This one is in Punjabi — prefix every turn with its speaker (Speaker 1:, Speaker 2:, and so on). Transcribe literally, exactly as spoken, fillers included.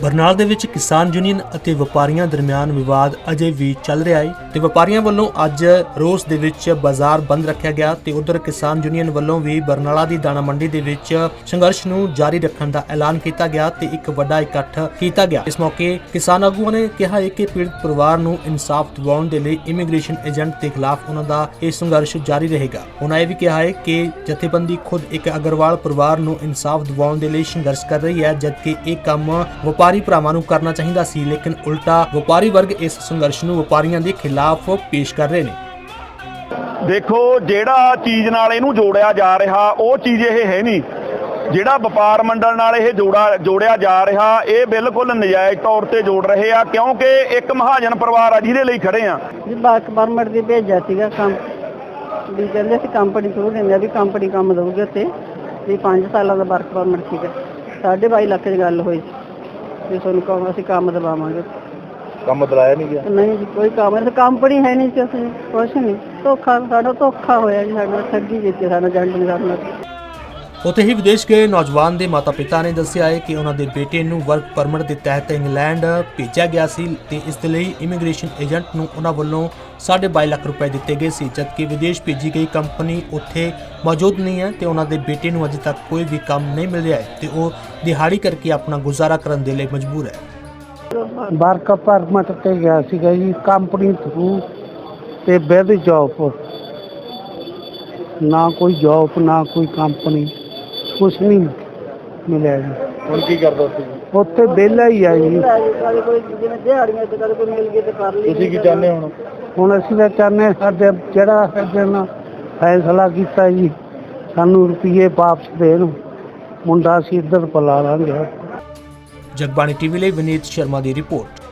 Speaker 1: ਬਰਨਾਲ ਦੇ ਵਿੱਚ ਕਿਸਾਨ ਯੂਨੀਅਨ ਅਤੇ ਵਪਾਰੀਆਂ ਦਰਮਿਆਨ ਵਿਵਾਦ ਅਜੇ ਵੀ ਚੱਲ ਰਿਹਾ ਹੈ ਤੇ ਵਪਾਰੀਆਂ ਵੱਲੋਂ ਅੱਜ ਰੋਸ ਦੇ ਵਿੱਚ ਬਾਜ਼ਾਰ ਬੰਦ ਰੱਖਿਆ ਗਿਆ ਤੇ ਉਧਰ ਕਿਸਾਨ ਯੂਨੀਅਨ ਵੱਲੋਂ ਵੀ ਬਰਨਾਲਾ ਦੀ ਦਾਣਾ ਮੰਡੀ ਦੇ ਵਿੱਚ ਸੰਘਰਸ਼ ਨੂੰ ਜਾਰੀ ਰੱਖਣ ਦਾ ਐਲਾਨ ਕੀਤਾ ਗਿਆ ਤੇ ਇੱਕ ਵੱਡਾ ਇਕੱਠ ਕੀਤਾ ਗਿਆ। ਇਸ ਮੌਕੇ ਕਿਸਾਨ ਆਗੂਆਂ ਨੇ ਕਿਹਾ ਹੈ ਕਿ ਪੀੜਤ ਪਰਿਵਾਰ ਨੂੰ ਇਨਸਾਫ ਦਿਵਾਉਣ ਦੇ ਲਈ ਇਮੀਗ੍ਰੇਸ਼ਨ ਏਜੰਟ ਦੇ ਖਿਲਾਫ ਉਹਨਾਂ ਦਾ ਇਹ ਸੰਘਰਸ਼ ਜਾਰੀ ਰਹੇਗਾ। ਉਹਨਾਂ ਇਹ ਵੀ ਕਿਹਾ ਹੈ ਕਿ ਜਥੇਬੰਦੀ ਖੁਦ ਇੱਕ ਅਗਰਵਾਲ ਪਰਿਵਾਰ ਨੂੰ ਇਨਸਾਫ ਦਿਵਾਉਣ ਦੇ ਲਈ ਸੰਘਰਸ਼ ਕਰ ਰਹੀ ਹੈ, ਜਦਕਿ ਇਹ ਕੰਮ ਵਪਾਰੀ ਭਰਾਵਾਂ ਨੂੰ ਕਰਨਾ ਚਾਹੀਦਾ ਸੀ, ਲੇਕਿਨ ਉਲਟਾ ਵਪਾਰੀ ਵਰਗ ਇਸ ਸੰਘਰਸ਼ ਨੂੰ ਵਪਾਰੀਆਂ ਦੇ ਖਿਲਾਫ ਪੇਸ਼ ਕਰ ਰਹੇ ਨੇ।
Speaker 2: ਦੇਖੋ, ਜਿਹੜਾ ਚੀਜ਼ ਨਾਲ ਇਹਨੂੰ ਜੋੜਿਆ ਜਾ ਰਿਹਾ ਉਹ ਚੀਜ਼ ਇਹ ਹੈ ਨਹੀਂ। ਜਿਹੜਾ ਵਪਾਰ ਮੰਡਲ ਨਾਲ ਇਹ ਜੋੜਾ ਜੋੜਿਆ ਜਾ ਰਿਹਾ ਇਹ ਬਿਲਕੁਲ ਨਜਾਇਜ਼ ਤੌਰ ਤੇ ਜੋੜ ਰਹੇ ਆ, ਕਿਉਂਕਿ ਇੱਕ ਮਹਾਜਨ ਪਰਿਵਾਰ ਆ ਜਿਹਦੇ ਲਈ ਖੜੇ ਆ।
Speaker 3: ਜੀ ਵਰਕ ਪਰਮਿਟ ਦੀ ਭੇਜਿਆ ਸੀਗਾ ਕੰਮ ਵੀ ਕਹਿੰਦੇ ਸੀ ਕੰਪਨੀ ਥਰੂ ਦਿੰਦੇ ਆ ਵੀ ਕੰਪਨੀ ਕੰਮ ਦਊਗੀ ਉੱਥੇ ਵੀ ਪੰਜ ਸਾਲਾਂ ਦਾ ਵਰਕ ਪਰਮਿਟ ਸੀਗਾ। ਸਾਢੇ ਬਾਈ ਲੱਖ ਦੀ ਗੱਲ ਹੋਈ ਵੀ ਤੁਹਾਨੂੰ ਕੰਮ ਅਸੀਂ ਕੰਮ ਦਵਾਵਾਂਗੇ।
Speaker 2: ਕੰਮ ਦਿਲਾਇਆ ਨਹੀਂ ਗਿਆ?
Speaker 3: ਨਹੀਂ ਜੀ, ਕੋਈ ਕੰਮ ਨਹੀਂ, ਕੰਪਨੀ ਹੈ ਨਹੀਂ ਸੀ, ਅਸੀਂ ਕੁਛ ਨਹੀਂ। ਧੋਖਾ ਸਾਡਾ ਧੋਖਾ ਹੋਇਆ ਜੀ, ਸਾਡਾ ਠੱਗੀ ਕੀਤੀ ਸਾਡਾ ਏਜੰਟ ਨੇ ਸਾਡੇ ਨਾਲ।
Speaker 1: ਉੱਥੇ ਹੀ ਵਿਦੇਸ਼ ਗਏ ਨੌਜਵਾਨ ਦੇ ਮਾਤਾ-ਪਿਤਾ ਨੇ ਦੱਸਿਆ ਹੈ ਕਿ ਉਹਨਾਂ ਦੇ ਬੇਟੇ ਨੂੰ ਵਰਕ ਪਰਮਿਟ ਦੇ ਤਹਿਤ ਇੰਗਲੈਂਡ ਭੇਜਿਆ ਗਿਆ ਸੀ ਤੇ ਇਸ ਦੇ ਲਈ ਇਮੀਗ੍ਰੇਸ਼ਨ ਏਜੰਟ ਨੂੰ ਉਹਨਾਂ ਵੱਲੋਂ ਸਾਢੇ ਬਾਈ ਲੱਖ ਰੁਪਏ ਦਿੱਤੇ ਗਏ ਸੀ, ਜਦਕਿ ਵਿਦੇਸ਼ ਭੇਜੀ ਗਈ ਕੰਪਨੀ ਉੱਥੇ ਮੌਜੂਦ ਨਹੀਂ ਹੈ ਤੇ ਉਹਨਾਂ ਦੇ ਬੇਟੇ ਨੂੰ ਅਜੇ ਤੱਕ ਕੋਈ ਵੀ ਕੰਮ ਨਹੀਂ ਮਿਲ ਰਿਹਾ ਹੈ ਤੇ ਉਹ ਦਿਹਾੜੀ ਕਰਕੇ ਆਪਣਾ ਗੁਜ਼ਾਰਾ ਕਰਨ ਦੇ ਲਈ ਮਜਬੂਰ ਹੈ।
Speaker 4: ਵਰਕ ਪਰਮਿਟ ਤੇ ਗਿਆ ਸੀਗਾ ਜੀ ਕੰਪਨੀ ਥਰੂ ਤੇ ਵਿਦ ਜੌਬ, ਨਾ ਕੋਈ ਜੌਬ ਨਾ ਕੋਈ ਕੰਪਨੀ, ਕੁਛ ਨਹੀਂ ਮਿਲਿਆ ਜੀ।
Speaker 2: ਹੁਣ ਕੀ ਕਰਦਾ ਉੱਥੇ?
Speaker 4: ਉੱਥੇ ਵਿਹਲਾ ਹੀ ਆ ਜੀ।
Speaker 3: ਕੋਈ ਜਿਵੇਂ ਦਿਹਾੜੀਆਂ ਤੇ ਕਦੇ ਕੋਈ ਮਿਲ ਗਈ ਤੇ ਕਰ ਲਈ।
Speaker 2: ਤੁਸੀਂ ਕੀ ਚਾਹੁੰਦੇ ਹੁਣ?
Speaker 4: ਹੁਣ ਅਸੀਂ ਤਾਂ ਚਾਹੁੰਦੇ ਸਾਡੇ ਜਿਹੜਾ ਸਾਡੇ ਨਾਲ ਫੈਸਲਾ ਕੀਤਾ ਜੀ ਸਾਨੂੰ ਰੁਪਈਏ ਵਾਪਸ ਦੇਣ, ਮੁੰਡਾ ਅਸੀਂ ਇੱਧਰ ਬੁਲਾ ਲਾਂਗੇ।
Speaker 1: ਜਗਬਾਣੀ ਟੀਵੀ ਲਈ ਵਿਨੀਤ ਸ਼ਰਮਾ ਦੀ ਰਿਪੋਰਟ।